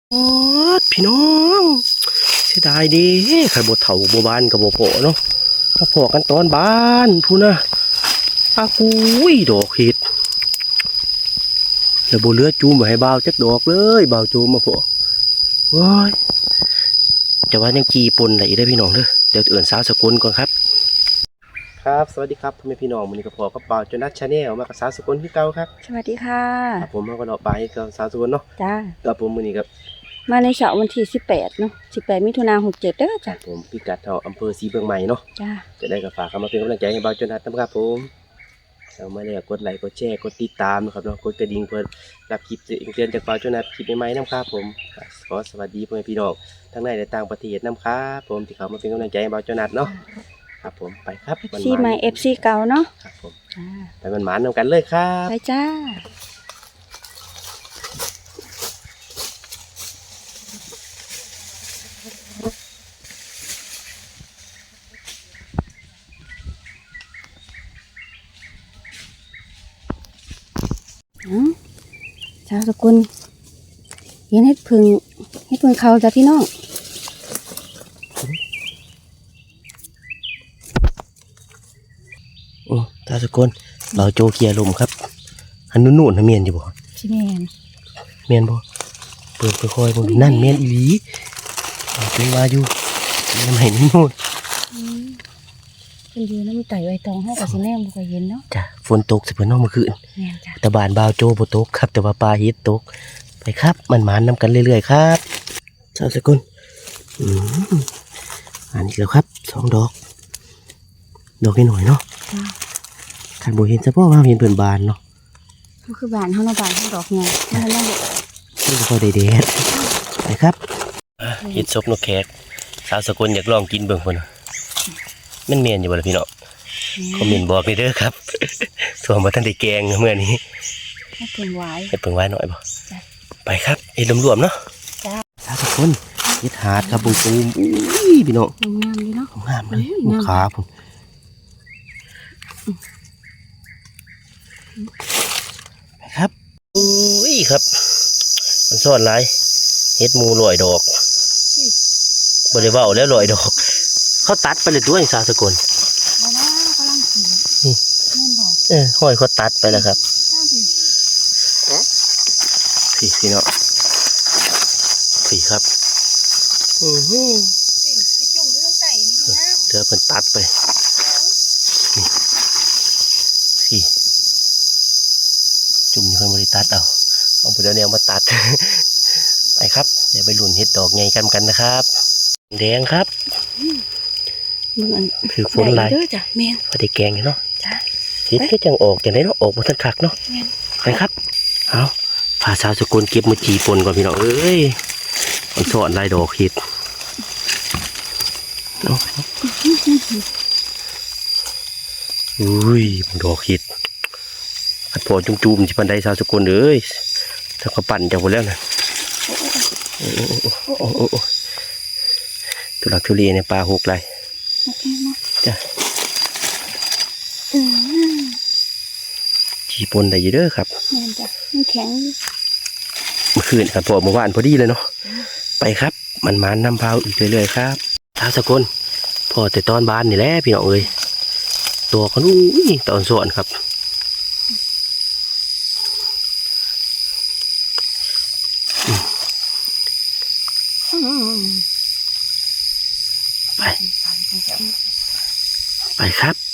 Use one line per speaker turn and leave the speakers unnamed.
โอ้พี่น้องเสียดายดีใครบ่เฒ่าบ่บ้านกับบ่พอเนาะมาพอกันตอนบ้านพูนะอากุยดอกเห็ดแล้วบ่เหลือจูมไว้ให้บ่าวจักดอกเลยบ่าวจูมมาพอว้ายจะว่ายังจีปนได้อีกได้อพี่น้องเด้อเดี๋ยวเอื่นสาวสกุลก่อนครับครับสวัสดีครับพ่อแม่พี่น้องมื้อนี้ก็พอกับบ่าวจนัทชาแนลมากับสาวสกุลที่เก่าครับ
สวัสดีค่ะ
ครับผมมาก็เนาะไปกับสาวสกุลเนาะ
จ้า
กับผมมื้อนี้ครับ
มาในเสาร์วันที่18เนาะ18มิถุนายน67เด้อจ้ะ
ผมพิกัดเฮาอำเภอศรีเมืองใหม่เนาะ
จ้า
จะได้กับฝากเข้ามาเป็นกำลังใจให้บ่าวจนัทนะครับผมเอามาแล้วกดไลค์กดแชร์กดติดตามนะครับเนาะกดกระดิ่งเพื่อรับคลิปเตือนจากบ่าวจนัทคลิปใหม่ๆนะครับผมขอสวัสดีพ่อแม่พี่น้องทั้งในและต่างประเทศนำครับผมที่เข้ามาเป็นกำลังใจให้บ่าวจนัทเนาะครับผมไปครับ
FC ใหม่ FC เก่าเนาะ
ครับผม
จ้า
ไปมันหมานนำกันเลยครับ
ไปจ้าชาวสกุลเห็นเฮ็ดพึ่งเขาจ้ะพี่น้อง
ตาสกุลบ่าวโจเกียร์ลมครับอันนู่นๆนะเมียนอยู่บ่
ชิแมน
เมียนบ่เปิดค่อยๆบ่นั่นเมียนอีหลีเป็นว่าอยู่ยังไม่นู่น
เป็นอยู่น้ำไต่ใบตองเฮาก็สิแนมบ่ค่อยเห็นเนาะ
จ้ะฝนตกสิเพิ่นเนาะเมื่อคืน
แม่นจ้ะ
แต่บ้านบ่าวโจบ่ตกครับแต่ว่าปลาเฮ็ดตกไปครับมันหมานนำกันเรื่อยๆครับชาวสกุลอันนี้แล้วครับ2 ดอกนิดหน่อยเนาะ
จ้ะ
คันบ่เห็นเฉพาะว่าเห็นเพิ่นบานเนาะ
ก็คือบ้านเฮาเนาะบ้านเฮาดอกใหญ่นั่นแหละ
ไม่พอได้แดดไปครับเฮ็ดซบนกแขกชาวสกุลอยากลองกินเบิ่งพุ่นน่ะมันเมียนอยู่บ่ล่ะพี่น้องคอมเมนต์บอกนี่เด้อครับส่วนบ่ทันได้แกงมื้อนี้
ให้เพิ่นไว้
หน่อยบ่ไปครับเฮ็ดรวมๆเนาะ
จ้า
ชาวสกุลเฮ็ดหาดครับบุ้งตูมอุ้ยพี่น้อง
งามดีเนาะ
งามเลยขาพุ่นไปครับอุ้ยครับมันซ่อนหลายเฮ็ดหมูลอยดอกบ่ได้เว้าแล้วลอยดอกเขาตัดไปเลยด้วยชาวสกุล
บ่นะกำลังกิน
นี่
แม่นบ่
ห้อยเขาตัดไปแล้วครับพี่เนาะพี่ครับ
สิจุ่มอยู่ตรงใต้นี่นะ
เดี๋ยวเพิ่นตัดไปนี่พี่จุ่มอยู่เพิ่นบ่ได้ตัดเอาไปเดี๋ยวแนวมาตัด ไปครับเดี๋ยวไปลุ้นเฮ็ดดอกใหญ่กันนะครับแดงครับคือฝนลาย
เด้อจ้ะแม่น
พอได้แกงเนาะ
จ้ะ
เฮ็ดก็จังออกจังได๋เนาะออกบ่ทันคักเนาะ
แม่น
ไปครับเอาพาชาวสกุลเก็บมาจีปนก่อนพี่น้องเอ้ยมันสอนลายดอกเฮ็ดอุ้ยดอกเห็ดอัดพอจุ่มๆที่ปันไดชาวสกุลเลยถ้าเขาปั่นจากหมดแล้วนะตุลักทุเรียนในปลาหกไรจ้ะจีปนได้เยอะเด้อครับ
แม่นจ้ะมันแข็ง
เมื่อคืนครับพอเมื่อวานพอดีเลยเนาะไปครับมันมานำพาวอีกเรื่อยๆครับชาวสกุลพอแต่ตอนบ้านนี่แหละพี่น้องเอ้ยตัวเขาอุ้ยตอนสวนครับไปครับ